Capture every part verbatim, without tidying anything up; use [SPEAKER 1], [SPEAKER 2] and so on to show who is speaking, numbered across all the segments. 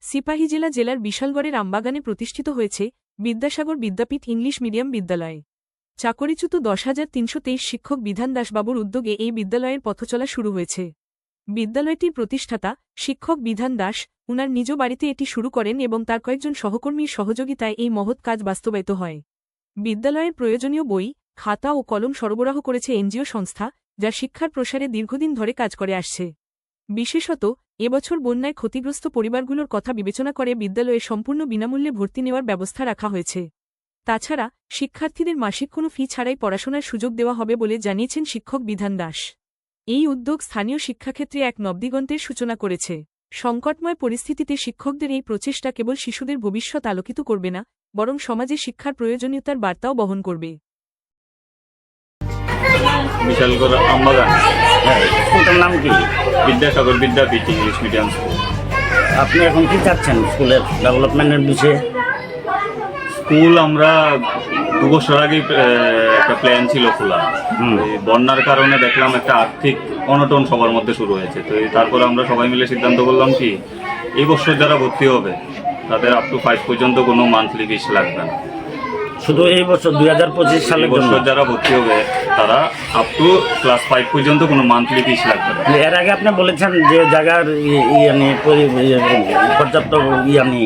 [SPEAKER 1] সিপাহীজলা জেলার বিশালগড়ের আমবাগানে প্রতিষ্ঠিত হয়েছে বিদ্যাসাগর বিদ্যাপীঠ ইংলিশ মিডিয়াম বিদ্যালয়। চাকরিচ্যুত দশ হাজার তিনশো তেইশ শিক্ষক বিধান দাসবাবুর উদ্যোগে এই বিদ্যালয়ের পথচলা শুরু হয়েছে। বিদ্যালয়টির প্রতিষ্ঠাতা শিক্ষক বিধান দাস উনার নিজ বাড়িতে এটি শুরু করেন এবং তার কয়েকজন সহকর্মীর সহযোগিতায় এই মহৎ কাজ বাস্তবায়িত হয়। বিদ্যালয়ের প্রয়োজনীয় বই, খাতা ও কলম সরবরাহ করেছে এনজিও সংস্থা, যা শিক্ষার প্রসারে দীর্ঘদিন ধরে কাজ করে আসছে। বিশেষত এবছর বন্যায় ক্ষতিগ্রস্ত পরিবারগুলোর কথা বিবেচনা করে বিদ্যালয়ে সম্পূর্ণ বিনামূল্যে ভর্তি নেওয়ার ব্যবস্থা রাখা হয়েছে। তাছাড়া শিক্ষার্থীদের মাসিক কোনো ফি ছাড়াই পড়াশোনার সুযোগ দেওয়া হবে বলে জানিয়েছেন শিক্ষক বিধান দাস। এই উদ্যোগ স্থানীয় শিক্ষাক্ষেত্রে এক নবদিগন্তের সূচনা করেছে। সংকটময় পরিস্থিতিতে শিক্ষকদের এই প্রচেষ্টা কেবল শিশুদের ভবিষ্যৎ আলোকিত করবে না, বরং সমাজে শিক্ষার প্রয়োজনীয়তার বার্তাও বহন করবে।
[SPEAKER 2] বিশালগড় আমবাগান,
[SPEAKER 3] হ্যাঁ, স্কুলটার নাম কি?
[SPEAKER 2] Vidyasagar Vidyapith English medium school.
[SPEAKER 3] আপনি এখন কি চাচ্ছেন স্কুলের ডেভেলপমেন্টের বিষয়ে?
[SPEAKER 2] স্কুল আমরা দু বছর আগেই একটা প্ল্যান ছিল খোলা। এই বন্যার কারণে দেখলাম একটা আর্থিক অনটন সবার মধ্যে শুরু হয়েছে। তো তারপরে আমরা সবাই মিলে সিদ্ধান্ত করলাম কি এই বছর যারা ভর্তি হবে তাদের আপ টু ফাইভ পর্যন্ত কোনো মান্থলি ফিস লাগবে না।
[SPEAKER 3] শুধু এই বছর দুই হাজার পঁচিশ সালের জন্য
[SPEAKER 2] বছর যারা ভর্তি হবে তারা আপ টু ক্লাস ফাইভ পর্যন্ত কোনো মান্থলি ফিস লাগবে না।
[SPEAKER 3] এর আগে আপনি বলেছেন যে জায়গার ইয়ানি পর্যাপ্ত ইয়ানি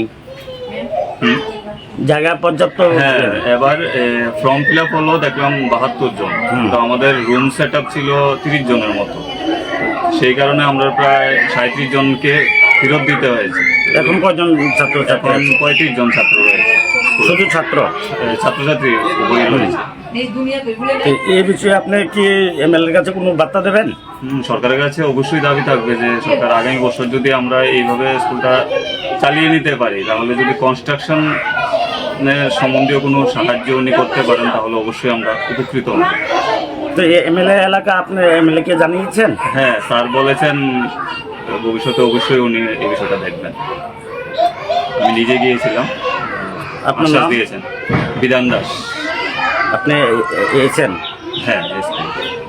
[SPEAKER 3] জায়গা পর্যাপ্ত।
[SPEAKER 2] হ্যাঁ, এবার ফর্ম ফিল আপ হলো দেখলাম বাহাত্তর জন, তো আমাদের রুম সেট আপ ছিল তিরিশ জনের মতো। সেই কারণে আমরা প্রায় সাঁত্রিশ জনকে ফেরত দিতে হয়েছে।
[SPEAKER 3] এখন কয়জন ছাত্র ছাত্রী?
[SPEAKER 2] এখন পঁয়ত্রিশ জন ছাত্র রয়েছে।
[SPEAKER 3] শুধু ছাত্র
[SPEAKER 2] ছাত্রছাত্রী উভয় রয়েছে।
[SPEAKER 3] এই বিষয়ে আপনি কি এমএলএর কাছে কোনো বার্তা দেবেন?
[SPEAKER 2] সরকারের কাছে অবশ্যই দাবি থাকবে যে সরকার আগামী বছর যদি আমরা এইভাবে স্কুলটা চালিয়ে নিতে পারি, তাহলে যদি কনস্ট্রাকশন সম্বন্ধীয় কোনো সাহায্য উনি করতে পারেন তাহলে অবশ্যই আমরা উপকৃত হব।
[SPEAKER 3] তো এমএলএ এলাকা আপনি এমএলএ কে জানিয়েছেন?
[SPEAKER 2] হ্যাঁ, স্যার বলেছেন ভবিষ্যতে অবশ্যই উনি এই বিষয়টা দেখবেন। আমি নিজে গিয়েছিলাম,
[SPEAKER 3] আপনার
[SPEAKER 2] আশ্বাস
[SPEAKER 3] নাম?
[SPEAKER 2] দিয়েছেন বিধান দাস।
[SPEAKER 3] আপনি এসেছেন?
[SPEAKER 2] হ্যাঁ, এসেছেন।